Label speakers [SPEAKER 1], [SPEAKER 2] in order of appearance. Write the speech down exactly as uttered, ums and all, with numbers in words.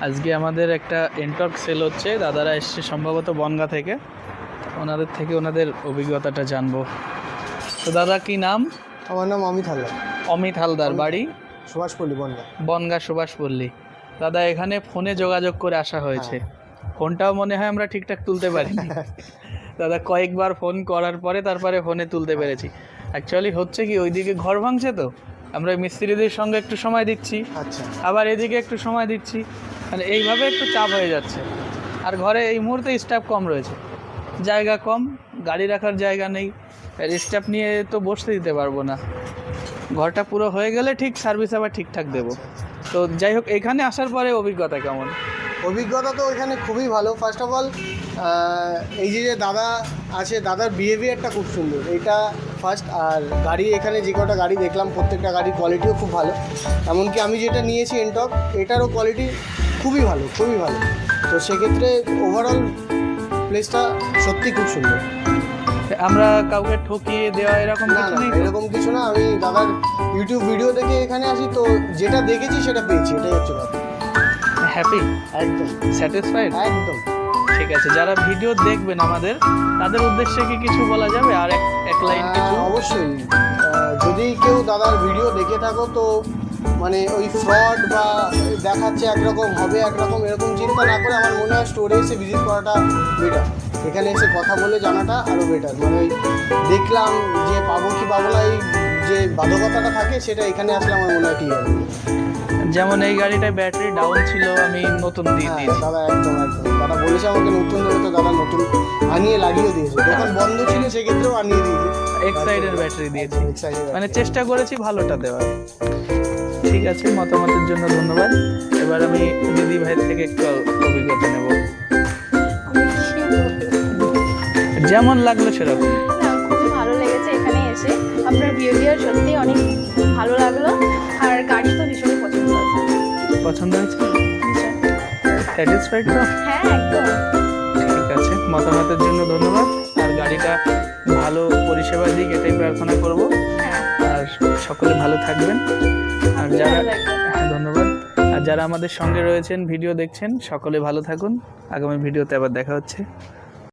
[SPEAKER 1] আজকে আমাদের একটা এনটক সেল হচ্ছে, দাদারা এসছে সম্ভবত বনগাঁ থেকে, ওনাদের থেকে ওনাদের অভিজ্ঞতাটা জানবো। তো দাদা কি নাম?
[SPEAKER 2] আমার নাম অমিত হালদার।
[SPEAKER 1] অমিত হালদার, বাড়ি
[SPEAKER 2] সুভাষপল্লী, বনগাঁ।
[SPEAKER 1] বনগাঁ সুভাষপল্লী। দাদা এখানে ফোনে যোগাযোগ করে আসা হয়েছে, ফোনটাও মনে হয় আমরা ঠিকঠাক তুলতে পারিনি। দাদা কয়েকবার ফোন করার পরে তারপরে ফোনে তুলতে পেরেছি। অ্যাকচুয়ালি হচ্ছে কি, ওইদিকে ঘর ভাঙছে, তো আমরা মিস্ত্রিদের সঙ্গে একটু সময় দিচ্ছি,
[SPEAKER 2] আচ্ছা,
[SPEAKER 1] আবার এদিকে একটু সময় দিচ্ছি, মানে এইভাবে একটু চাপ হয়ে যাচ্ছে। আর ঘরে এই মুহূর্তে স্টাফ কম রয়েছে, জায়গা কম, গাড়ি রাখার জায়গা নেই, আর স্টাফ নিয়ে তো বসতে দিতে পারবো না। ঘরটা পুরো হয়ে গেলে ঠিক সার্ভিস আবার ঠিকঠাক দেবো। তো যাই হোক, এখানে আসার পরে অভিজ্ঞতা কেমন?
[SPEAKER 2] অভিজ্ঞতা তো এখানে খুবই ভালো। ফার্স্ট অফ অল এই যে যে দাদা আছে, দাদার বিহেভিয়ারটা খুব সুন্দর, এটা ফার্স্ট। আর গাড়ি, এখানে যে কটা গাড়ি দেখলাম প্রত্যেকটা গাড়ির কোয়ালিটিও খুব ভালো। এমনকি আমি যেটা নিয়েছি এনটক, এটারও কোয়ালিটি খুবই ভালো, খুবই ভালো। তো সেক্ষেত্রে ওভারঅল প্লেসটা সত্যি খুব সুন্দর।
[SPEAKER 1] আমরা কাউকে ঠকিয়ে দেওয়া এরকম
[SPEAKER 2] না
[SPEAKER 1] কিছু
[SPEAKER 2] না,
[SPEAKER 1] নেই তো?
[SPEAKER 2] এরকম কিছু না। আমি দাদার ইউটিউব ভিডিও দেখে এখানে আসি, তো যেটা দেখেছি সেটা পেয়েছি, এটাই হচ্ছে কথা।
[SPEAKER 1] হ্যাপি,
[SPEAKER 2] একদম
[SPEAKER 1] স্যাটিসফাইড।
[SPEAKER 2] একদম
[SPEAKER 1] ঠিক আছে, যারা ভিডিও দেখবেন আমাদের, তাদের উদ্দেশ্যে কি কিছু বলা যাবে? আর এক এক লাইন কিছু?
[SPEAKER 2] আহ, অবশ্যই। আহ, যদি কেউ দাদার ভিডিও দেখে থাকো, তো মানে ওই ফ্রড বা দেখাচ্ছে একরকম হবে একরকম, এরকম চিন্তা না করে আমার মনে হয় স্টোরে এসে ভিজিট করাটা বেটার। এখানে এসে কথা বলে জানাটা আরও বেটার। মানে ওই দেখলাম যে পাবো কি পাবো না, এই যে বাধকতাটা থাকে, সেটা এখানে আসলে আমার মনে হয় ঠিক হবে।
[SPEAKER 1] যেমন এই গাড়িটায় ব্যাটারি ডাউন ছিল, আমি নতুন দিয়ে
[SPEAKER 2] হ্যাঁ
[SPEAKER 1] দিয়েছি।
[SPEAKER 2] দাদা, একদম একদম। দাদা বলেছে আমাকে নতুন দেবে, তো দাদা নতুন আনিয়ে লাগিয়ে দিয়েছে। দোকান বন্ধ ছিল সেক্ষেত্রেও আনিয়ে দিয়েছে।
[SPEAKER 1] এক সাইডের ব্যাটারি দিয়েছি,
[SPEAKER 2] এক সাইডের
[SPEAKER 1] মানে চেষ্টা করেছি ভালোটা দেওয়ার। ঠিক আছে, মতামতের জন্য ধন্যবাদ। এবার আমি দিদি ভাইয়ের থেকে একটু অভিজ্ঞতা নেব, যেমন লাগলো সেরকম।
[SPEAKER 3] না, খুবই ভালো লেগেছে এখানে এসে। আপনার বিহেভিয়ার সত্যি অনেক ভালো লাগলো, আর গাড়ি তো ভীষণই পছন্দ হয়েছে।
[SPEAKER 1] পছন্দ হয়েছে, স্যাটিসফাইড তো?
[SPEAKER 3] হ্যাঁ, একদম।
[SPEAKER 1] ঠিক আছে, মতামতের জন্য ধন্যবাদ। আর গাড়িটা ভালো পরিষেবা দিক, এটাই প্রার্থনা করব।
[SPEAKER 3] হ্যাঁ,
[SPEAKER 1] আর সকলে ভালো থাকবেন। আর যারা,
[SPEAKER 3] ভালো লাগলো।
[SPEAKER 1] হ্যাঁ ধন্যবাদ। আর যারা আমাদের সঙ্গে রয়েছেন, ভিডিও দেখছেন, সকলে ভালো থাকুন। আগামী ভিডিওতে আবার দেখা হচ্ছে।